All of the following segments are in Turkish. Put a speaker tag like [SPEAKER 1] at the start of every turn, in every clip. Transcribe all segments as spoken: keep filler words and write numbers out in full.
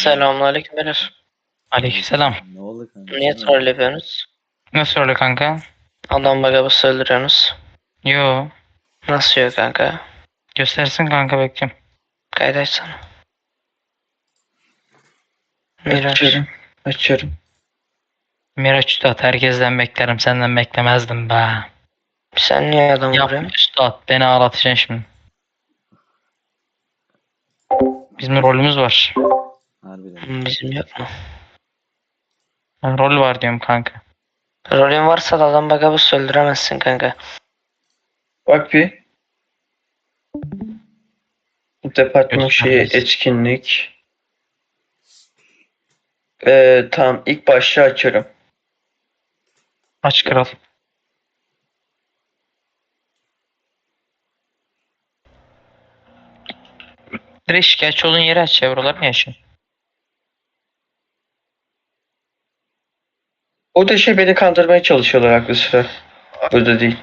[SPEAKER 1] Selamünaleyküm beyler.
[SPEAKER 2] Aleykümselam.
[SPEAKER 3] Ne oldu kanka?
[SPEAKER 1] Niye
[SPEAKER 3] Sen
[SPEAKER 1] troll yapıyorsunuz?
[SPEAKER 2] Nasıl öyle kanka?
[SPEAKER 1] Adam bagabı öldürüyorsunuz.
[SPEAKER 2] Yo.
[SPEAKER 1] Nasıl yok kanka?
[SPEAKER 2] Göstersin kanka, bekliyorum.
[SPEAKER 1] Kaydaşsana. Miraç.
[SPEAKER 4] Açıyorum. Açıyorum.
[SPEAKER 2] Miraç Üstad, herkesten beklerim, senden beklemezdim be.
[SPEAKER 1] Sen niye adam
[SPEAKER 2] Yapma
[SPEAKER 1] vuruyorsun?
[SPEAKER 2] Üstad, beni ağlatacaksın şimdi. Bizim rolümüz var.
[SPEAKER 3] harbiden.
[SPEAKER 1] Hmm, Bizim yok mu?
[SPEAKER 2] Ha, rol var diyorum kanka.
[SPEAKER 1] Rolün varsa da adam bagabı öldüremezsin kanka.
[SPEAKER 4] Bak bir. Departman şeyi
[SPEAKER 2] Göstermez.
[SPEAKER 4] etkinlik. Ee, tamam ilk başlığı açıyorum.
[SPEAKER 2] Aç kral. Direkt şikayetçi olduğun yeri aç ya, buralar mı yaşıyorsun?
[SPEAKER 4] O da şey beni kandırmaya çalışıyorlar aklı sıra. Burada değil.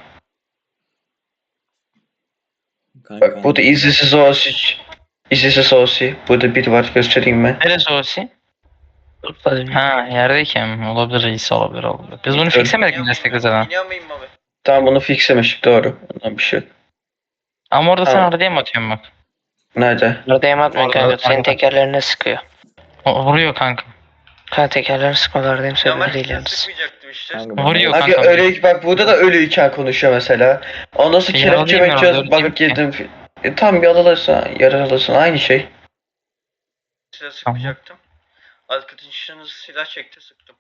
[SPEAKER 3] Kanka,
[SPEAKER 4] Bak bu da izinsiz olsi. İzinsiz olsi. Burada biri var, göstereyim ben.
[SPEAKER 2] Neresi orası?
[SPEAKER 1] Tutma dönüyor.
[SPEAKER 2] Ha, yerdeyken mi? Olabilir, iyisi olabilir olabilir. Biz bunu
[SPEAKER 4] Evet.
[SPEAKER 2] fixlemedik mi destekli zaten?
[SPEAKER 4] Tamam bunu fixlemiştik, doğru. Ondan bir şey yok.
[SPEAKER 2] Ama orada sen
[SPEAKER 4] Tamam.
[SPEAKER 2] araya mı atıyorsun bak?
[SPEAKER 4] Nerede?
[SPEAKER 1] Nerede atmıyorsun
[SPEAKER 2] Orada-
[SPEAKER 1] kanka? Senin tekerlerine sıkıyor.
[SPEAKER 2] O, vuruyor kanka.
[SPEAKER 1] Kanka tekerlerini sıkmalardayım sebebi değil yalnız.
[SPEAKER 3] kanka,
[SPEAKER 2] Vuruyor
[SPEAKER 4] Abi
[SPEAKER 2] kanka.
[SPEAKER 4] öyle bak burada da ölüyken konuşuyor mesela. Ondan sonra
[SPEAKER 2] Ya,
[SPEAKER 4] kelepçe
[SPEAKER 2] alayım ben
[SPEAKER 4] mekçöz
[SPEAKER 2] orada,
[SPEAKER 4] bakıp
[SPEAKER 2] öyle
[SPEAKER 4] girdim. E, tam bir alırsın, yarar alırsın, aynı şey.
[SPEAKER 5] Silah sıkacaktım. Arkadaşınız silah çekti, sıktım.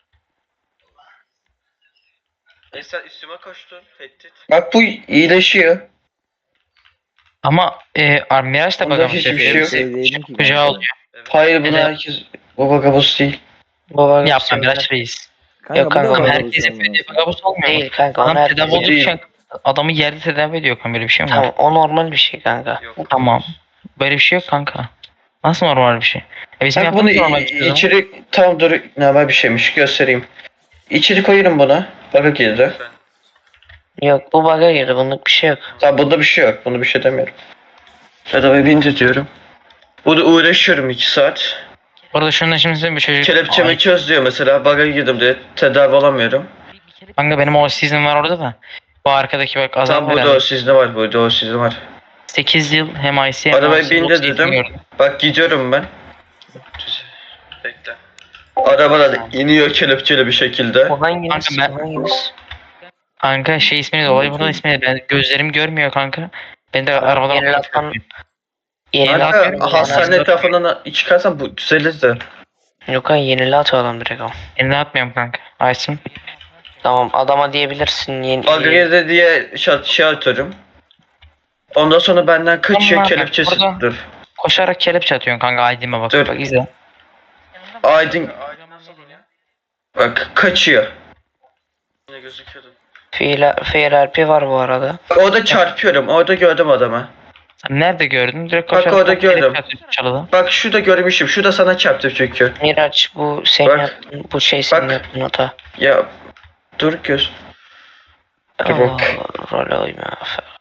[SPEAKER 5] Esra üstüme koştu, tehdit.
[SPEAKER 4] Bak bu iyileşiyor.
[SPEAKER 2] Ama e, Miraç da
[SPEAKER 4] Onda
[SPEAKER 2] bakalım
[SPEAKER 4] hiçbir
[SPEAKER 2] şey
[SPEAKER 4] şey
[SPEAKER 2] yapıyor.
[SPEAKER 4] yok.
[SPEAKER 3] Değilim ki
[SPEAKER 2] Kucağı
[SPEAKER 3] kanka.
[SPEAKER 2] oluyor.
[SPEAKER 5] Evet.
[SPEAKER 4] Hayır bunu
[SPEAKER 2] Neden?
[SPEAKER 4] herkes bu bagabos değil.
[SPEAKER 1] Bu bagabı
[SPEAKER 2] Yapma Miraç Reis.
[SPEAKER 3] Kanka,
[SPEAKER 1] Yok
[SPEAKER 3] bu da
[SPEAKER 1] kanka,
[SPEAKER 3] var
[SPEAKER 2] Adam
[SPEAKER 3] bu
[SPEAKER 2] herkes
[SPEAKER 3] zaman.
[SPEAKER 2] yapıyor diye bagabus olmuyor mu?
[SPEAKER 1] değil kanka.
[SPEAKER 2] Adam
[SPEAKER 1] Onu
[SPEAKER 2] tedavi
[SPEAKER 1] herkes
[SPEAKER 4] değil.
[SPEAKER 2] olurken adamı yerde tedavi ediyor kanka, böyle bir şey mi var?
[SPEAKER 1] Tamam o normal bir şey kanka.
[SPEAKER 5] Yok.
[SPEAKER 2] Tamam. Böyle bir şey yok kanka. Nasıl normal bir şey? E bizim
[SPEAKER 4] Bak bunu
[SPEAKER 2] yaptığımız normal bir şey o zaman.
[SPEAKER 4] içeri tam dur normal bir şeymiş, göstereyim. İçeri koyarım bunu. Baga girdi.
[SPEAKER 5] Lütfen.
[SPEAKER 1] Yok bu baga girdi, bunluk bir şey yok.
[SPEAKER 4] Tamam bunda bir şey yok. Bunu bir şey demiyorum. Arabayı bindir diyorum. Burada uğraşıyorum iki saat.
[SPEAKER 2] Orada şundan şimdi size bir çocuk...
[SPEAKER 4] Kelepçemi
[SPEAKER 2] Ay,
[SPEAKER 4] çöz diyor mesela. Baga girdim diye tedavi olamıyorum.
[SPEAKER 2] kanka benim o season var orada da. Bu arkadaki bak azam
[SPEAKER 4] Tam burada o sizde var. Burada o sizde var.
[SPEAKER 2] sekiz yıl hem I C hem
[SPEAKER 4] Arabayı
[SPEAKER 2] O C,
[SPEAKER 4] bindir
[SPEAKER 2] o C
[SPEAKER 4] dedim.
[SPEAKER 2] gördüm.
[SPEAKER 4] Bak gidiyorum ben.
[SPEAKER 5] Bekle.
[SPEAKER 4] Arabadan iniyor kelepçeli bir şekilde.
[SPEAKER 1] O hanginiz?
[SPEAKER 2] Kanka ben-
[SPEAKER 1] O hanginiz?
[SPEAKER 2] Kanka şey ismini de olay bunun ismini de ben gözlerim görmüyor kanka. Ben de
[SPEAKER 1] Tamam,
[SPEAKER 2] arabadan
[SPEAKER 1] yeni laftan- Yeni
[SPEAKER 2] Kanka,
[SPEAKER 1] lat
[SPEAKER 4] Kanka
[SPEAKER 2] yapıyorum,
[SPEAKER 4] hastane
[SPEAKER 2] yani.
[SPEAKER 4] etrafından çıkarsan bu düzelir de.
[SPEAKER 1] Yok kanka, yeni lat adam direkt o.
[SPEAKER 2] Eline atmıyorum kanka. Aysun.
[SPEAKER 1] Tamam adama diyebilirsin yeni.
[SPEAKER 4] Baga girdi diye şey, şey atıyorum. Ondan sonra benden kaçıyor
[SPEAKER 2] Tamam,
[SPEAKER 4] kelepçesi.
[SPEAKER 2] burada-
[SPEAKER 4] Dur.
[SPEAKER 2] Koşarak kelepçe atıyorsun kanka, Aydın'a bak.
[SPEAKER 4] Dur.
[SPEAKER 2] Bak izle.
[SPEAKER 4] Aydın
[SPEAKER 5] Nasıl oluyor?
[SPEAKER 4] bak kaçıyor.
[SPEAKER 5] Yine gözüküyordu.
[SPEAKER 1] Fail, fail R P var bu arada.
[SPEAKER 4] Orada çarpıyorum. Orada gördüm adamı.
[SPEAKER 2] Sen nerede gördün? Direkt
[SPEAKER 4] Bak
[SPEAKER 2] koşarak
[SPEAKER 4] orada
[SPEAKER 2] kelepçe
[SPEAKER 4] gördüm.
[SPEAKER 2] atıyorsun çalıda.
[SPEAKER 4] Bak şurada görmüşüm. Şurada sana çarptı çünkü.
[SPEAKER 1] Miraç bu senin
[SPEAKER 4] Bak.
[SPEAKER 1] yaptığın, bu şey senin
[SPEAKER 4] Bak.
[SPEAKER 1] yaptığın hata.
[SPEAKER 4] Ya dur göz. Dur
[SPEAKER 1] Allah
[SPEAKER 4] bak.
[SPEAKER 1] Allah, role uyma.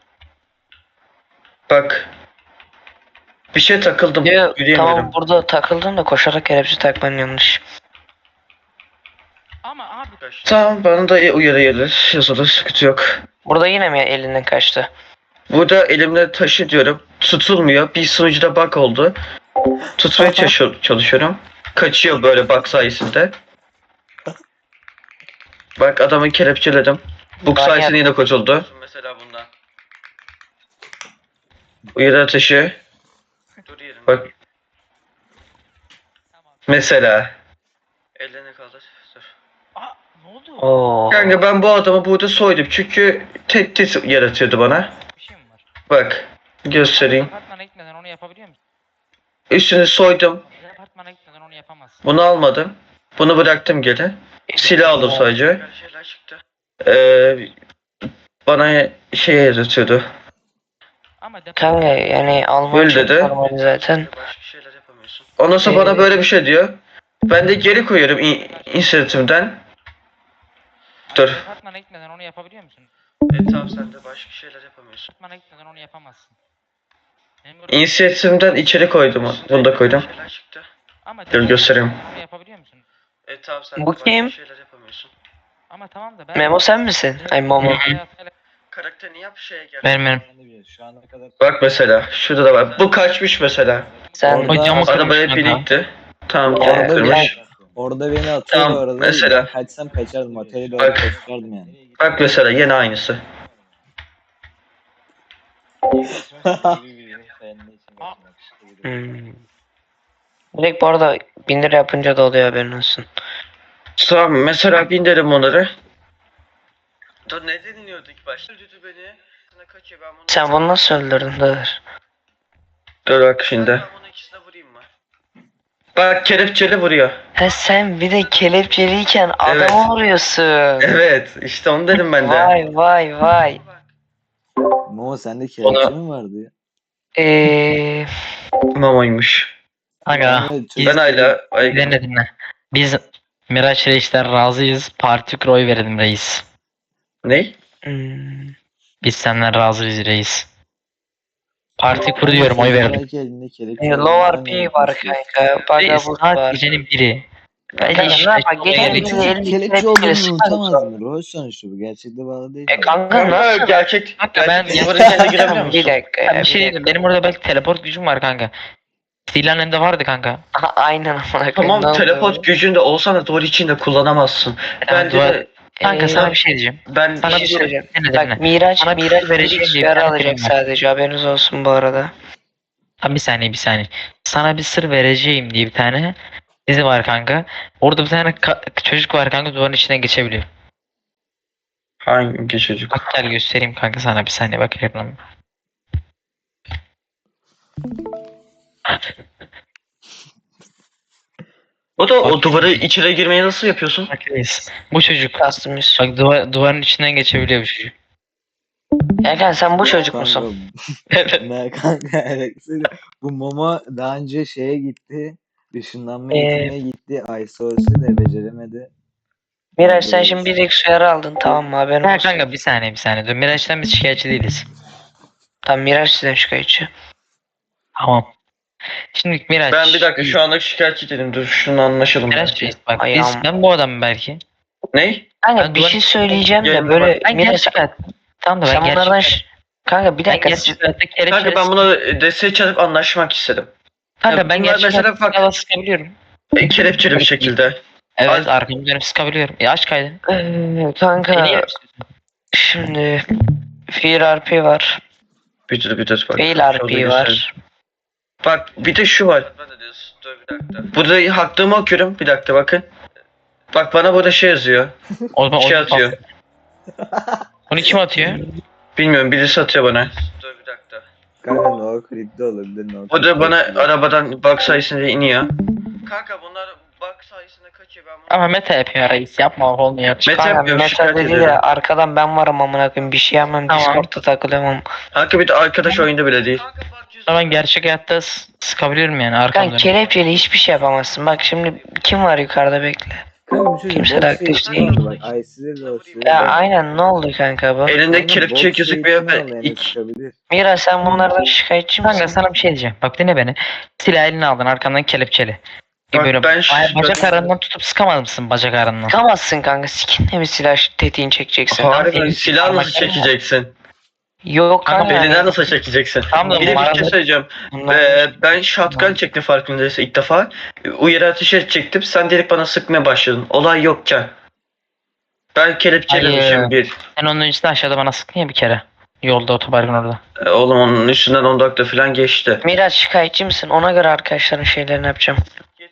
[SPEAKER 4] Bak. Bir şey takıldım.
[SPEAKER 1] Ya,
[SPEAKER 4] Yürüyemiyorum.
[SPEAKER 1] tamam burada takıldın da koşarak kelepçe takman yanlış.
[SPEAKER 2] Ama abi
[SPEAKER 5] Kaçtı.
[SPEAKER 4] Tamam bana da uyarı gelir. Yazılır, sıkıntı yok.
[SPEAKER 1] Burada yine mi elinden kaçtı?
[SPEAKER 4] Burada elimle taşı diyorum. Tutulmuyor. Bir sunucuda bug oldu. Tutmaya
[SPEAKER 1] Aha.
[SPEAKER 4] çalışıyor- çalışıyorum. Kaçıyor böyle bug sayesinde. Bak adamı kelepçeledim. Bug
[SPEAKER 1] Ben
[SPEAKER 4] sayesinde yine kurtuldu.
[SPEAKER 5] Mesela bundan.
[SPEAKER 4] Uyarı ateşi.
[SPEAKER 5] Dur yerinde.
[SPEAKER 4] Bak. Mesela.
[SPEAKER 5] Ellerini kaldır. Dur.
[SPEAKER 2] Aa, ne oldu?
[SPEAKER 1] Oo.
[SPEAKER 4] Kanka ben bu adamı burada soydum çünkü tehdit yaratıyordu bana.
[SPEAKER 2] Bir şey mi var?
[SPEAKER 4] Bak. Göstereyim.
[SPEAKER 2] Apartmana gitmeden onu yapabiliyor musun?
[SPEAKER 4] Üstünü soydum.
[SPEAKER 2] Apartmana gitmeden onu yapamazsın.
[SPEAKER 4] Bunu almadım. Bunu bıraktım geri. Silah aldım sadece.
[SPEAKER 5] Her şeyler çıktı.
[SPEAKER 4] Ee, bana şey yaratıyordu.
[SPEAKER 2] Ama depo-
[SPEAKER 1] Kanka yani Alman
[SPEAKER 4] Öyle
[SPEAKER 1] çok
[SPEAKER 4] dedi.
[SPEAKER 1] normal zaten.
[SPEAKER 5] Başka şeyler yapamıyorsun.
[SPEAKER 4] Ondan sonra
[SPEAKER 1] Ee,
[SPEAKER 4] bana böyle bir şey diyor. Ben de geri koyuyorum in- inisiyatifimden. Dur.
[SPEAKER 2] Apartmana gitmeden onu yapabiliyor musun?
[SPEAKER 5] E tamam sen de başka şeyler yapamıyorsun.
[SPEAKER 2] Apartmana gitmeden onu yapamazsın. Benim burada-
[SPEAKER 4] İnisiyatifimden içeri koydum. Bunu da koydum.
[SPEAKER 5] Her şeyler çıktı.
[SPEAKER 2] Ama
[SPEAKER 4] Dur göstereyim.
[SPEAKER 2] Bunu yapabiliyor musun?
[SPEAKER 5] E tamam sen de
[SPEAKER 1] Bu
[SPEAKER 5] başka
[SPEAKER 1] kim?
[SPEAKER 5] şeyler yapamıyorsun.
[SPEAKER 2] Ama tamam da ben...
[SPEAKER 1] Memo sen misin? Ay Momo.
[SPEAKER 5] Karakterini yap şeye gel.
[SPEAKER 2] Benim benim.
[SPEAKER 3] Ben de biliyorum, şu ana kadar.
[SPEAKER 4] Bak mesela şurada da var. Bu kaçmış mesela.
[SPEAKER 1] Sen
[SPEAKER 3] Orada-
[SPEAKER 2] O camı
[SPEAKER 4] Arabaya
[SPEAKER 2] kırmış kanka.
[SPEAKER 4] binikti. Tamam
[SPEAKER 1] Ya,
[SPEAKER 4] camı
[SPEAKER 3] Orada,
[SPEAKER 4] kırmış.
[SPEAKER 3] beni, orada beni atıyor
[SPEAKER 4] Tamam,
[SPEAKER 3] bu arada.
[SPEAKER 4] mesela.
[SPEAKER 3] Ben kaçsam kaçardım. Oteli doğru
[SPEAKER 4] Bak.
[SPEAKER 3] kaçardım yani.
[SPEAKER 4] Bak mesela yine aynısı.
[SPEAKER 1] Hmm. Direkt bu arada bin lira yapınca da oluyor, haberin olsun.
[SPEAKER 4] Tamam mesela bindirim onları.
[SPEAKER 5] Dur ne dinliyorduk ilk başta? Öldürdü beni. Sana kaçıyor ben bunu.
[SPEAKER 1] Sen bunu nasıl öldürdün Dır?
[SPEAKER 4] Dur bak şimdi.
[SPEAKER 5] Ben bunu ikisine vurayım mı?
[SPEAKER 4] Bak kelepçeli vuruyor.
[SPEAKER 1] He sen bir de kelepçeliyken
[SPEAKER 4] Evet.
[SPEAKER 1] adamı vuruyorsun.
[SPEAKER 4] Evet işte onu dedim ben de.
[SPEAKER 1] Vay vay vay.
[SPEAKER 5] Bak.
[SPEAKER 3] Momo sende kelepçe
[SPEAKER 4] Ona-
[SPEAKER 3] mi vardı ya?
[SPEAKER 1] Eee
[SPEAKER 4] Mamaymış.
[SPEAKER 2] Kanka
[SPEAKER 3] Ben de
[SPEAKER 2] biz
[SPEAKER 4] Ben hala... Ay,
[SPEAKER 2] dinle dinle. Biz Miraç Reis'ten razıyız. Parti oy verelim reis.
[SPEAKER 4] ne?
[SPEAKER 1] hmm.
[SPEAKER 2] Biz senden razıyız reis. Parti kur diyorum, oy verelim.
[SPEAKER 3] Belki elinde kelepçe
[SPEAKER 1] E,
[SPEAKER 3] olan
[SPEAKER 1] Lower
[SPEAKER 3] insan
[SPEAKER 1] P
[SPEAKER 3] yani
[SPEAKER 1] var
[SPEAKER 3] konuşuyor.
[SPEAKER 1] kanka.
[SPEAKER 2] Reis
[SPEAKER 1] Bagabus
[SPEAKER 2] saat
[SPEAKER 1] var.
[SPEAKER 2] gecenin biri.
[SPEAKER 1] Kanka ne
[SPEAKER 2] işte
[SPEAKER 1] yapar?
[SPEAKER 2] oy
[SPEAKER 1] Gece
[SPEAKER 2] verelim.
[SPEAKER 1] gündüz
[SPEAKER 3] Çocuk
[SPEAKER 1] elli
[SPEAKER 3] kelepçe
[SPEAKER 1] kelepçeyle
[SPEAKER 3] olduğunu
[SPEAKER 1] sıkar
[SPEAKER 3] unutamaz
[SPEAKER 1] mı?
[SPEAKER 3] mı? Rol sonuçta bu. Gerçekte bağlı değil
[SPEAKER 1] E
[SPEAKER 3] mi?
[SPEAKER 1] kanka
[SPEAKER 4] Kanka
[SPEAKER 1] nasıl?
[SPEAKER 4] gerçek...
[SPEAKER 2] Kanka ben
[SPEAKER 4] gerçek duvarın içine girebiliyor
[SPEAKER 1] Bir
[SPEAKER 4] musun?
[SPEAKER 1] dakika
[SPEAKER 2] Ben
[SPEAKER 1] ya.
[SPEAKER 2] bir şey
[SPEAKER 1] dakika.
[SPEAKER 2] diyeyim. Benim orada belki teleport gücüm var kanka. Silanemde vardı kanka.
[SPEAKER 1] Aha, aynen amına koyayım.
[SPEAKER 4] Tamam
[SPEAKER 1] Ne oldu?
[SPEAKER 4] teleport gücünde olsan da duvar içinde kullanamazsın. Bence
[SPEAKER 2] duvar-
[SPEAKER 4] de
[SPEAKER 2] Kanka
[SPEAKER 1] Ee,
[SPEAKER 2] sana bir şey diyeceğim.
[SPEAKER 4] ben
[SPEAKER 1] Bir
[SPEAKER 2] Sana
[SPEAKER 1] şey
[SPEAKER 2] bir
[SPEAKER 1] söyleyeceğim.
[SPEAKER 2] dinle
[SPEAKER 1] Bak
[SPEAKER 2] dinle.
[SPEAKER 1] Miraç,
[SPEAKER 2] Sana bir
[SPEAKER 1] Miraç
[SPEAKER 2] sır vereceğim
[SPEAKER 1] Felix
[SPEAKER 2] diye bir
[SPEAKER 1] uyarı
[SPEAKER 2] tane
[SPEAKER 1] alacak
[SPEAKER 2] film var.
[SPEAKER 1] sadece, haberiniz olsun bu arada.
[SPEAKER 2] Tam bir saniye bir saniye. Sana bir sır vereceğim diye bir tane dizi var kanka. Orada bir tane ka- çocuk var kanka, duvarın içinden geçebiliyor.
[SPEAKER 4] hangi çocuk?
[SPEAKER 2] Bak gel göstereyim kanka sana, bir saniye bak ekranıma.
[SPEAKER 4] O da o
[SPEAKER 2] Bak.
[SPEAKER 4] duvarı içeri girmeyi nasıl yapıyorsun?
[SPEAKER 2] Bak reis. Bu çocuk.
[SPEAKER 1] Kastımız.
[SPEAKER 2] Bak duvar, duvarın içinden geçebiliyor bu çocuk.
[SPEAKER 1] Erkan sen bu çocuk
[SPEAKER 3] Kanka,
[SPEAKER 1] musun?
[SPEAKER 3] ne kanka evet. Bu Momo daha önce şeye gitti. Işınlanma
[SPEAKER 1] Ee,
[SPEAKER 3] eğitimine gitti. Isource'u da beceremedi.
[SPEAKER 1] Miraç sen şimdi bir Rex uyarı aldın, tamam mı, haberin
[SPEAKER 2] Ha
[SPEAKER 1] olsun.
[SPEAKER 2] kanka bir saniye bir saniye. Dur, Miraç'tan biz şikayetçi değiliz.
[SPEAKER 1] Tamam Miraç sizden şikayetçi.
[SPEAKER 2] Tamam. Şimdi Miraç.
[SPEAKER 4] Ben bir dakika şu anlık şikayetçi dedim. Dur şunu anlaşalım.
[SPEAKER 2] Miraç
[SPEAKER 4] belki.
[SPEAKER 2] reis bak
[SPEAKER 1] Ayağım.
[SPEAKER 2] biz, ben bu adamım belki.
[SPEAKER 4] Ney?
[SPEAKER 1] Kanka
[SPEAKER 2] Ben
[SPEAKER 1] bir
[SPEAKER 2] duvar-
[SPEAKER 1] şey söyleyeceğim de
[SPEAKER 4] Gelin
[SPEAKER 1] böyle
[SPEAKER 2] Ben
[SPEAKER 1] Miraç
[SPEAKER 2] gerçek hayat. Tamam da ben
[SPEAKER 1] sen
[SPEAKER 2] gerçek
[SPEAKER 1] bunlardan
[SPEAKER 2] hayat.
[SPEAKER 1] ş- Kanka bir
[SPEAKER 2] Ben
[SPEAKER 1] dakika
[SPEAKER 2] gerçek hayatta kelepçeli.
[SPEAKER 4] Kanka ben buna desteği çalıp anlaşmak istedim.
[SPEAKER 2] Kanka
[SPEAKER 4] Ya
[SPEAKER 2] ben
[SPEAKER 4] bunlar
[SPEAKER 2] gerçek
[SPEAKER 4] mesela
[SPEAKER 2] hayatta
[SPEAKER 4] bak-
[SPEAKER 2] silahla sıkabiliyorum.
[SPEAKER 4] E, kelepçeli bir şekilde.
[SPEAKER 2] Evet
[SPEAKER 4] Ay-
[SPEAKER 2] arkamı dönüp sıkabiliyorum. Ya aç kaydı.
[SPEAKER 1] Ee, kanka
[SPEAKER 2] Beni yer misin?
[SPEAKER 1] şimdi Fear R P var.
[SPEAKER 4] Bir dur bir dur bak.
[SPEAKER 1] Fail
[SPEAKER 4] şurada
[SPEAKER 1] R P
[SPEAKER 4] göstereyim.
[SPEAKER 1] var.
[SPEAKER 4] Bak bir de şu var.
[SPEAKER 5] Ben de diyorsun. Dur bir dakika.
[SPEAKER 4] Burada hakkımı okuyorum. Bir dakika bakın. Bak bana burada şey yazıyor.
[SPEAKER 2] O zaman
[SPEAKER 4] Şey
[SPEAKER 2] onu-
[SPEAKER 4] atıyor.
[SPEAKER 2] Onu kim atıyor?
[SPEAKER 4] Bilmiyorum birisi atıyor bana.
[SPEAKER 5] Dur bir dakika.
[SPEAKER 3] Kanka no clip de olabilir. No
[SPEAKER 4] O da bana arabadan bak sayesinde iniyor.
[SPEAKER 5] Kanka bunlar bug sayesinde kaçıyor ben bunu.
[SPEAKER 2] Ama meta yapıyor reis, yapma olmuyor.
[SPEAKER 4] Meta
[SPEAKER 1] Kanka
[SPEAKER 4] yapıyorum
[SPEAKER 1] meta
[SPEAKER 4] şikayet
[SPEAKER 1] dedi
[SPEAKER 4] ederim.
[SPEAKER 1] de arkadan ben varım amına koyayım, bir şey yapmam,
[SPEAKER 2] Tamam.
[SPEAKER 1] Discord'da takılıyorum ama.
[SPEAKER 4] Kanka bir de arkadaş oyunda bile değil.
[SPEAKER 5] Kanka bak yüzü.
[SPEAKER 2] Ama ben gerçek hayatta s- sıkabiliyorum yani arkamı
[SPEAKER 1] Kanka
[SPEAKER 2] dönüp.
[SPEAKER 1] kelepçeyle hiçbir şey yapamazsın. Bak şimdi kim var yukarıda, bekle.
[SPEAKER 3] Kanka bu çocuk
[SPEAKER 1] Kimse
[SPEAKER 3] box
[SPEAKER 1] de arkadaş
[SPEAKER 3] eğitimi
[SPEAKER 1] değil.
[SPEAKER 3] aldı bak. Ice'de de o sürü.
[SPEAKER 1] Ya aynen, ne oldu kanka bu?
[SPEAKER 4] Elinde
[SPEAKER 3] Kanka
[SPEAKER 4] kelepçe
[SPEAKER 3] box
[SPEAKER 4] gözükmüyor
[SPEAKER 3] eğitimi
[SPEAKER 4] ve
[SPEAKER 3] aldı, yani
[SPEAKER 4] ilk
[SPEAKER 3] çıkabilir.
[SPEAKER 1] Mira sen bunlardan şikayetçi misin?
[SPEAKER 2] Kanka sana bir şey diyeceğim. Bak dinle beni. Silah eline aldın, arkandan kelepçeli.
[SPEAKER 4] Bak
[SPEAKER 2] Böyle
[SPEAKER 4] ben-
[SPEAKER 2] baya- bacak
[SPEAKER 4] ben-
[SPEAKER 2] arasından tutup sıkamaz mısın bacak arasından?
[SPEAKER 1] Çıkamazsın kanka, sikinle mi silah tetiğini çekeceksin?
[SPEAKER 4] Harbiden
[SPEAKER 2] Benim
[SPEAKER 4] silah nasıl
[SPEAKER 2] parmaklarım var.
[SPEAKER 4] çekeceksin?
[SPEAKER 1] Yok
[SPEAKER 2] Kanka
[SPEAKER 1] kanka.
[SPEAKER 4] Elinden
[SPEAKER 1] yani
[SPEAKER 4] nasıl çekeceksin?
[SPEAKER 2] Tamam da
[SPEAKER 4] Bir de bir
[SPEAKER 2] bu
[SPEAKER 4] şey
[SPEAKER 2] arada-
[SPEAKER 4] söyleyeceğim.
[SPEAKER 1] bunlar-
[SPEAKER 4] Ee, ben shotgun çektim farkındaysa ilk defa. Uyarı ateşi çektim. Sen direkt bana sıkmaya başladın. Olay yokken. Ben kelepçelemişim
[SPEAKER 2] Hayır.
[SPEAKER 4] bir.
[SPEAKER 2] Sen onun öncesinde aşağıda bana sıktın ya bir kere. Yolda, otoparkın orada.
[SPEAKER 4] Ee, oğlum onun üstünden on dakika falan geçti.
[SPEAKER 1] Miraç şikayetçi misin? Ona göre arkadaşların şeylerini yapacağım.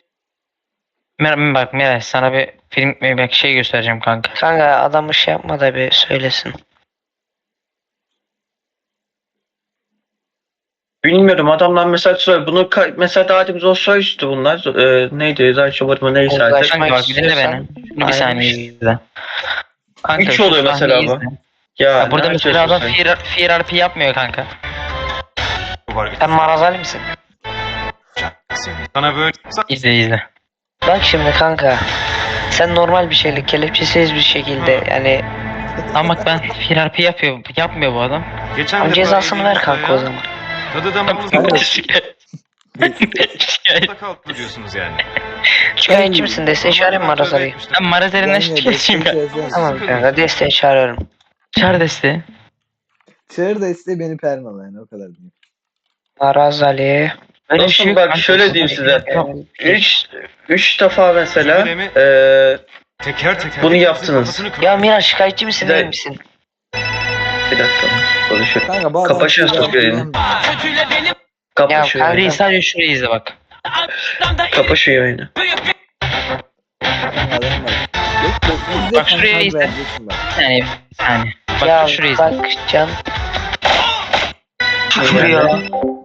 [SPEAKER 2] Mer bak Miraç, sana bir film bir şey göstereceğim kanka.
[SPEAKER 1] Kanka adamı şey yapma da bir söylesin.
[SPEAKER 4] Bilmiyorum adamlar mesela söyle bunu ka- mesela daha demin o soyustu bunlar. Ee, neydi? Zayçobar mı neyse artık.
[SPEAKER 1] Uzlaşma
[SPEAKER 2] Kanka bak bir dinle
[SPEAKER 1] istiyorsan
[SPEAKER 2] beni. Şunu bir
[SPEAKER 1] ayrı
[SPEAKER 2] saniye
[SPEAKER 1] şey.
[SPEAKER 2] izle. Kanka
[SPEAKER 4] Üç
[SPEAKER 2] şu
[SPEAKER 4] oluyor mesela
[SPEAKER 2] sahneyi
[SPEAKER 4] bu.
[SPEAKER 2] izle.
[SPEAKER 4] Ya,
[SPEAKER 2] Ya burada
[SPEAKER 4] ne
[SPEAKER 2] mesela adam
[SPEAKER 4] yapıyorsun sen?
[SPEAKER 2] Fear, Fear R P yapmıyor kanka.
[SPEAKER 1] Sen marazali misin?
[SPEAKER 6] Sana böyle
[SPEAKER 2] İzle izle.
[SPEAKER 1] Bak şimdi kanka. Sen normal bir şeyle kelepçesiz bir şekilde yani
[SPEAKER 2] Ama bak ben Fear R P yapıyor, yapmıyor bu adam.
[SPEAKER 6] geçen
[SPEAKER 1] tam
[SPEAKER 6] de
[SPEAKER 1] cezasını
[SPEAKER 6] böyle
[SPEAKER 1] ver kanka o zaman.
[SPEAKER 6] Tadı damağımız
[SPEAKER 3] Kanka,
[SPEAKER 2] Şikayet.
[SPEAKER 6] kalktı diyorsunuz yani.
[SPEAKER 1] Şikayetçi misin? Desteği çağırayım mı Arazali'yi?
[SPEAKER 2] Ben Marazeli'nden
[SPEAKER 3] Gelmiyor,
[SPEAKER 2] şikayetçiyim
[SPEAKER 3] desteği
[SPEAKER 2] ya.
[SPEAKER 3] çağırsana.
[SPEAKER 1] Tamam kanka desteği çağırıyorum.
[SPEAKER 2] Çağır desteği.
[SPEAKER 3] Çağır desteği beni permala yani o kadar diyeyim.
[SPEAKER 1] Arazali.
[SPEAKER 2] Böyle bir
[SPEAKER 4] Dostum
[SPEAKER 2] şey yok
[SPEAKER 4] bak
[SPEAKER 2] kanka.
[SPEAKER 4] şöyle diyeyim size. Üç, üç defa mesela
[SPEAKER 6] Cümlemi-
[SPEAKER 4] eee
[SPEAKER 6] Teker teker.
[SPEAKER 4] Bunu
[SPEAKER 6] hepimizin
[SPEAKER 4] yaptınız.
[SPEAKER 6] kafasını kırdı.
[SPEAKER 1] Ya Miraç şikayetçi misin
[SPEAKER 4] Bir de-
[SPEAKER 1] değil misin?
[SPEAKER 4] bir dakika konuşuyorum.
[SPEAKER 3] Kanka bu adam
[SPEAKER 4] Kapatıyorsun
[SPEAKER 3] cevap
[SPEAKER 4] yayını.
[SPEAKER 3] veremiyor.
[SPEAKER 4] Kapa
[SPEAKER 1] Ya
[SPEAKER 4] şu
[SPEAKER 1] kanka-
[SPEAKER 4] yayını.
[SPEAKER 2] Şurayı sadece şurayı izle bak.
[SPEAKER 4] Kapa şu yayını.
[SPEAKER 3] Kanka adam var. Yok yok izle
[SPEAKER 2] Bak şuraya
[SPEAKER 3] kanka
[SPEAKER 2] izle.
[SPEAKER 3] vereceksin bak.
[SPEAKER 2] Bir saniye. Bir saniye. Bak
[SPEAKER 1] Ya
[SPEAKER 2] şurayı izle.
[SPEAKER 1] bak Can. Küfür ya.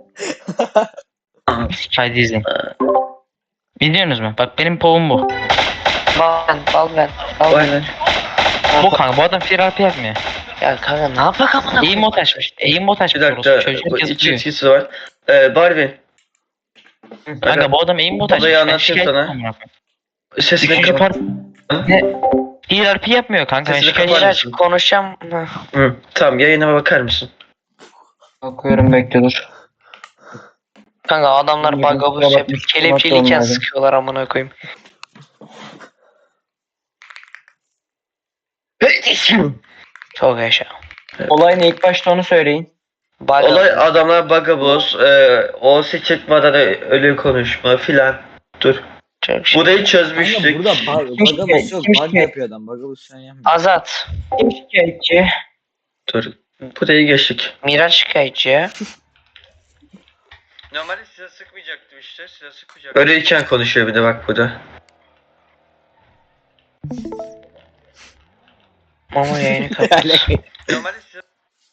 [SPEAKER 2] Haydi izleyin. Biliyorsunuz mu? Bak benim povum bu.
[SPEAKER 1] Bal ben, bal ben. Bal
[SPEAKER 4] Vay
[SPEAKER 1] ben.
[SPEAKER 4] lan.
[SPEAKER 2] Bu kanka bu adam terapi yapmıyor.
[SPEAKER 1] Ya kanka ne yapak amına
[SPEAKER 2] Eğim
[SPEAKER 1] koyayım?
[SPEAKER 2] mod açmış. Eğim mod
[SPEAKER 4] Bir
[SPEAKER 2] açmış.
[SPEAKER 4] dakika.
[SPEAKER 2] orospu. Çocuk
[SPEAKER 4] Bu iki
[SPEAKER 2] yazıyor.
[SPEAKER 4] etkisi var. Eee Barbie.
[SPEAKER 2] Kanka bu adam eğim mod açmış.
[SPEAKER 4] Olayı
[SPEAKER 2] Ben
[SPEAKER 4] anlatayım
[SPEAKER 2] şikayet
[SPEAKER 4] sana.
[SPEAKER 2] etmem amına koyayım.
[SPEAKER 4] Sesini
[SPEAKER 2] Üçüncü
[SPEAKER 4] kapat.
[SPEAKER 2] part ne? Terapi yapmıyor kanka. Ben
[SPEAKER 4] Sesini
[SPEAKER 2] şikayet
[SPEAKER 4] kapat.
[SPEAKER 1] Miraç konuşacağım. Hı.
[SPEAKER 4] Hı, tamam yayına bakar mısın?
[SPEAKER 2] Bakıyorum bekle dur.
[SPEAKER 1] Kanka adamlar
[SPEAKER 2] Yürü,
[SPEAKER 1] bagabus
[SPEAKER 2] kusura
[SPEAKER 1] yapıyor.
[SPEAKER 2] bakma,
[SPEAKER 1] Kelepçeliyken
[SPEAKER 2] olmadı.
[SPEAKER 1] sıkıyorlar amına koyayım. Çok yaşa.
[SPEAKER 2] Olay ne? İlk başta onu söyleyin.
[SPEAKER 1] Bagabus.
[SPEAKER 4] Olay adamlar bagaboz, eee o çıkmadan ölü konuşma filan. Dur.
[SPEAKER 1] Çok şey.
[SPEAKER 4] Burayı
[SPEAKER 3] Kanka
[SPEAKER 4] çözmüştük.
[SPEAKER 3] burada bug,
[SPEAKER 2] Kim
[SPEAKER 3] bagabus yok.
[SPEAKER 2] kim
[SPEAKER 3] Bug
[SPEAKER 2] şikayet?
[SPEAKER 3] yapıyor adam. Bagabus sen yapma.
[SPEAKER 1] Azat.
[SPEAKER 2] Kim şikayetçi?
[SPEAKER 4] Dur. Burayı geçtik.
[SPEAKER 1] Miraç şikayetçi ya.
[SPEAKER 5] Normalde size sıkmayacaktım işte. Size sıkmayacaktım.
[SPEAKER 4] Öyleyken konuşuyor bir de bak burada.
[SPEAKER 1] Mama yayını kapat.
[SPEAKER 5] Normalde size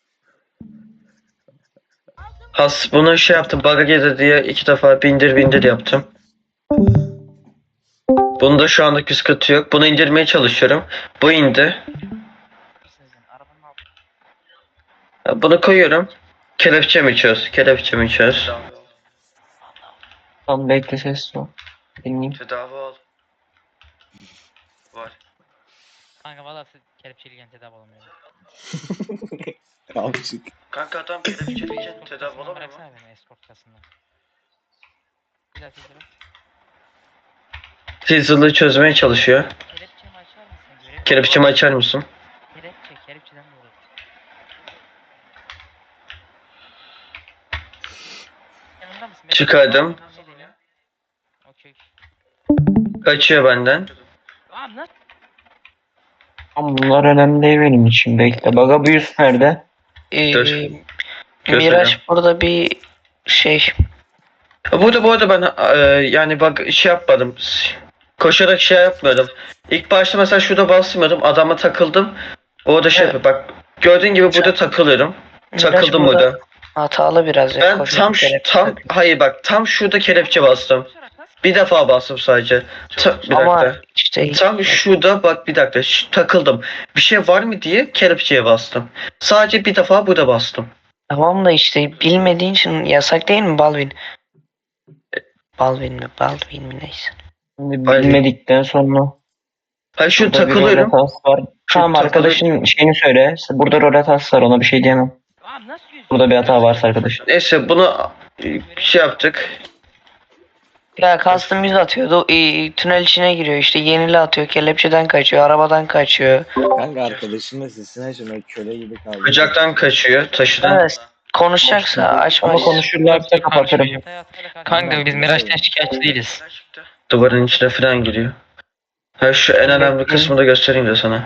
[SPEAKER 4] Has bunu şey yaptım bug'a girdi diye iki defa bindir bindir yaptım. Bunda şu anda sıkıntı yok. Bunu indirmeye çalışıyorum. Bu indi. Bunu koyuyorum. Kelepçe mi çöz? Kelepçe mi çöz?
[SPEAKER 5] tedavi ol.
[SPEAKER 2] Tamam bekle ses ol. Dinleyeyim.
[SPEAKER 5] Tedavi ol. Var.
[SPEAKER 2] Kanka valla kelepçeliyken tedavi olamıyorum.
[SPEAKER 3] Amcık.
[SPEAKER 5] Kanka adam kelepçeliyken tedavi olamıyor mu?
[SPEAKER 2] Bıraksana beni escort kasından. Bir daha sesle bak.
[SPEAKER 4] Teaser'lığı çözmeye çalışıyor.
[SPEAKER 2] Kelepçemi açar mısın? Görev
[SPEAKER 4] Kelepçemi açar mısın?
[SPEAKER 2] Kelepçe, kelepçeden doğru. Yanında mısın?
[SPEAKER 4] Çıkardım.
[SPEAKER 2] Okey.
[SPEAKER 4] Kaçıyor benden.
[SPEAKER 2] Abi nasıl? Ama bunlar önemli değil benim için. Bekle. Bagabuyus nerede?
[SPEAKER 1] Ee,
[SPEAKER 4] Dur.
[SPEAKER 1] Miraç burada bir şey.
[SPEAKER 4] Burada bu arada ben e, yani bak şey yapmadım. Koşarak şey yapmıyordum. İlk başta mesela şurada basmıyordum. Adama takıldım. Orada şey
[SPEAKER 1] Evet.
[SPEAKER 4] yapıyor. Bak gördüğün gibi burada takılıyorum.
[SPEAKER 1] Miraç
[SPEAKER 4] Takıldım burada.
[SPEAKER 1] Hatalı biraz ya.
[SPEAKER 4] Ben
[SPEAKER 1] koşu
[SPEAKER 4] tam şu-
[SPEAKER 1] kelepçe
[SPEAKER 4] tam
[SPEAKER 1] takıyor.
[SPEAKER 4] hayır bak tam şurada kelepçe bastım. Bir defa bastım sadece. Ta- bir
[SPEAKER 1] Ama
[SPEAKER 4] dakika.
[SPEAKER 1] işte
[SPEAKER 4] Tam şurada bak bir dakika şu- takıldım. Bir şey var mı diye kelepçeye bastım. Sadece bir defa burada bastım.
[SPEAKER 1] tamam da işte bilmediğin için yasak değil mi Balvin? Balvin mi? Balvin mi neyse.
[SPEAKER 2] Şimdi
[SPEAKER 4] Hayır.
[SPEAKER 2] bilmedikten sonra.
[SPEAKER 4] Hayır şu
[SPEAKER 2] Burada bir
[SPEAKER 4] takılıyorum.
[SPEAKER 2] rol hatası var. Tamam
[SPEAKER 4] takılı-
[SPEAKER 2] arkadaşın şeyini söyle. Burada rol hatası var ona bir şey diyemem. Burada bir hata varsa arkadaş.
[SPEAKER 4] Neyse bunu e, şey yaptık.
[SPEAKER 1] Ya custom yüz atıyordu. e, tünel içine giriyor işte. Yenili atıyor. Kelepçeden kaçıyor. Arabadan kaçıyor.
[SPEAKER 3] Kanka arkadaşın da sesini açmıyor. Köle gibi kaldı.
[SPEAKER 4] Bıçaktan kaçıyor. Taşıdan.
[SPEAKER 1] Evet. Konuşacaksa açma.
[SPEAKER 2] Ama konuşurlarsa kapatırım. Kanka biz
[SPEAKER 3] Miraç'tan
[SPEAKER 2] Miraç'tan şikayetçi değiliz.
[SPEAKER 5] Ne çıktı?
[SPEAKER 4] Duvarın içine falan giriyor. Ha şu en önemli kısmını da göstereyim de sana.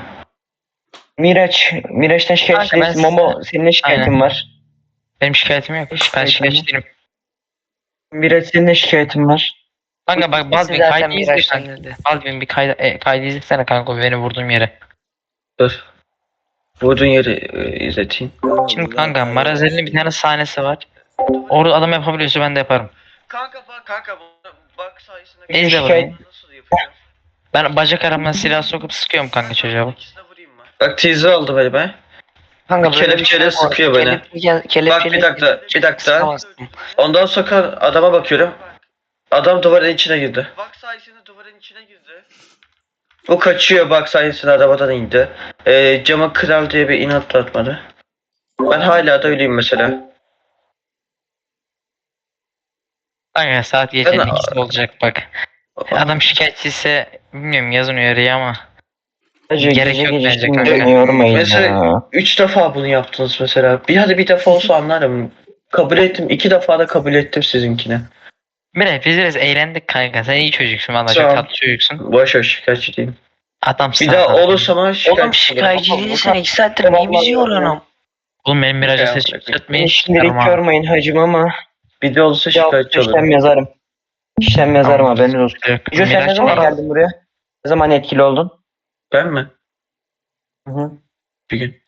[SPEAKER 2] Miraç, Miraç'tan şikayetçi Kanka ben değilsin. Momo senin ne şikayetin Aynen. var?
[SPEAKER 7] Benim şikayetim yok. Ben
[SPEAKER 2] Şikayetim
[SPEAKER 7] şikayetçi
[SPEAKER 2] yok.
[SPEAKER 7] değilim.
[SPEAKER 2] Miraç senin ne şikayetin var?
[SPEAKER 7] Kanka bak Baldwin
[SPEAKER 1] Zaten
[SPEAKER 7] kaydı izle
[SPEAKER 1] Miraç'tan
[SPEAKER 7] kanka.
[SPEAKER 1] geldi.
[SPEAKER 7] Baldwin bir kaydı, e, kaydı izlesene kanka beni vurduğum yere.
[SPEAKER 4] Dur. Vurduğun yeri e, izleteyim.
[SPEAKER 7] Şimdi kanka Marazeli'nin bir tane sahnesi var. Orada adam yapabiliyorsa ben de yaparım.
[SPEAKER 5] Kanka bak kanka bu bak sayesinde
[SPEAKER 7] İzle
[SPEAKER 2] Şikayet-
[SPEAKER 7] bakayım.
[SPEAKER 5] nasıl yapacağım?
[SPEAKER 7] Ben bacak aramdan silah sokup sıkıyorum kanka çocuğa bak.
[SPEAKER 5] İkisine vurayım mı?
[SPEAKER 4] Bak teaser aldı beni ben.
[SPEAKER 1] Kanka böyle bir
[SPEAKER 4] Kelepçeyle
[SPEAKER 1] şey var.
[SPEAKER 4] sıkıyor beni.
[SPEAKER 1] Kelepçe- kelepçeyle
[SPEAKER 4] Bak bir dakika, bir dakika.
[SPEAKER 1] sıkamazsın.
[SPEAKER 4] Ondan sonra adama bakıyorum. Adam duvarın içine girdi.
[SPEAKER 5] Bak sayesinde duvarın içine girdi.
[SPEAKER 4] O kaçıyor bak sayesinde arabadan indi. Ee, cama kral diye bir inat atmadı. Ben hala da öyleyim mesela.
[SPEAKER 2] Kanka saat gecenin
[SPEAKER 4] Ben-
[SPEAKER 2] ikisi olacak bak. Adam şikayetçi ise bilmiyorum yazın uyarıyı ama.
[SPEAKER 8] Hacı
[SPEAKER 2] Gerek
[SPEAKER 8] gece
[SPEAKER 2] yok
[SPEAKER 8] gece
[SPEAKER 2] bence
[SPEAKER 8] şimdi
[SPEAKER 2] kanka.
[SPEAKER 8] beni yormayın
[SPEAKER 4] Mesela
[SPEAKER 8] ya.
[SPEAKER 4] üç defa bunu yaptınız mesela. Bir hadi bir defa olsa anlarım. Kabul ettim. iki defa da kabul ettim sizinkini.
[SPEAKER 2] Bre biz biraz eğlendik kanka. Sen iyi çocuksun valla çok
[SPEAKER 4] Tamam.
[SPEAKER 2] tatlı çocuksun.
[SPEAKER 4] Boş ver şikayetçi değilim.
[SPEAKER 2] Adamsın.
[SPEAKER 4] Bir daha
[SPEAKER 2] adam.
[SPEAKER 4] olursa ama şikayetçi
[SPEAKER 1] Oğlum şikayetçi değilsen iki saattir niye bizi yoruyorsun?
[SPEAKER 2] Oğlum benim miraca
[SPEAKER 4] Ya,
[SPEAKER 2] ses
[SPEAKER 4] bırak.
[SPEAKER 2] çıkartmayın.
[SPEAKER 8] Beni şimdilik yormayın hacım ama
[SPEAKER 4] Bir de olursa
[SPEAKER 8] bir hafta
[SPEAKER 4] şikayetçi olurum.
[SPEAKER 8] işlem yazarım. İşlem yazarım haberiniz olsun.
[SPEAKER 2] Yok,
[SPEAKER 8] Hacı sen ne
[SPEAKER 2] Miraç
[SPEAKER 8] zaman
[SPEAKER 2] değil.
[SPEAKER 8] geldin buraya? Ne zaman etkili oldun?
[SPEAKER 4] Ben mi?
[SPEAKER 8] Hı hı.
[SPEAKER 4] Bir gün.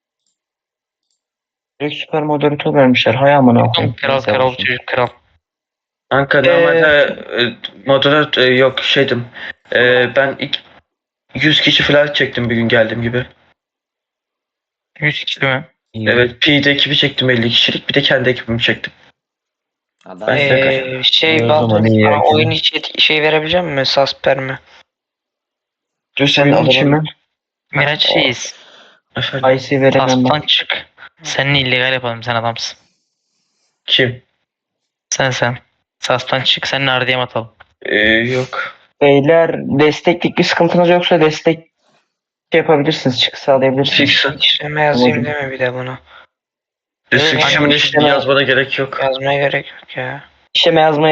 [SPEAKER 8] Direkt süper moderatör vermişler. Hay amına
[SPEAKER 2] Oğlum
[SPEAKER 8] koyayım.
[SPEAKER 2] kral
[SPEAKER 8] Neyse
[SPEAKER 2] kral
[SPEAKER 8] olsun.
[SPEAKER 2] çocuk kral.
[SPEAKER 4] Kanka
[SPEAKER 8] Ee,
[SPEAKER 4] normalde e, moderat e, yok şeydim. E, ben ilk yüz kişi falan çektim bir gün geldiğim gibi.
[SPEAKER 2] yüz kişi mi?
[SPEAKER 4] Evet P D ekibi çektim elli kişilik bir de kendi ekibimi çektim.
[SPEAKER 3] Adam
[SPEAKER 4] Ben-
[SPEAKER 1] Ee, şey
[SPEAKER 8] İyi o
[SPEAKER 1] Baldur
[SPEAKER 8] zaman, iyi
[SPEAKER 1] bana
[SPEAKER 8] yakın.
[SPEAKER 1] oyun içi et- şey verebilecek misin? Sasper mi?
[SPEAKER 4] Dur senin
[SPEAKER 8] Senin için
[SPEAKER 4] adamın.
[SPEAKER 8] mi?
[SPEAKER 2] Miraç reis.
[SPEAKER 4] Efendim.
[SPEAKER 8] I C veremem
[SPEAKER 2] Tastan
[SPEAKER 8] ben.
[SPEAKER 2] çık. Seninle illegal yapalım sen adamsın.
[SPEAKER 4] Kim?
[SPEAKER 2] Sen sen. Sastan çık seninle R D M atalım.
[SPEAKER 4] E, yok.
[SPEAKER 8] Beyler desteklik bir sıkıntınız yoksa destek şey yapabilirsiniz. Çıkı sağlayabilirsiniz.
[SPEAKER 4] Fix.
[SPEAKER 1] İşleme yazayım
[SPEAKER 8] Tamam.
[SPEAKER 1] deme bir de bunu.
[SPEAKER 4] Restriction'ın
[SPEAKER 8] Hangi
[SPEAKER 4] üstünü
[SPEAKER 8] işleme-
[SPEAKER 4] yazmana gerek yok.
[SPEAKER 1] Yazmaya gerek yok ya.
[SPEAKER 8] İşleme yazmaya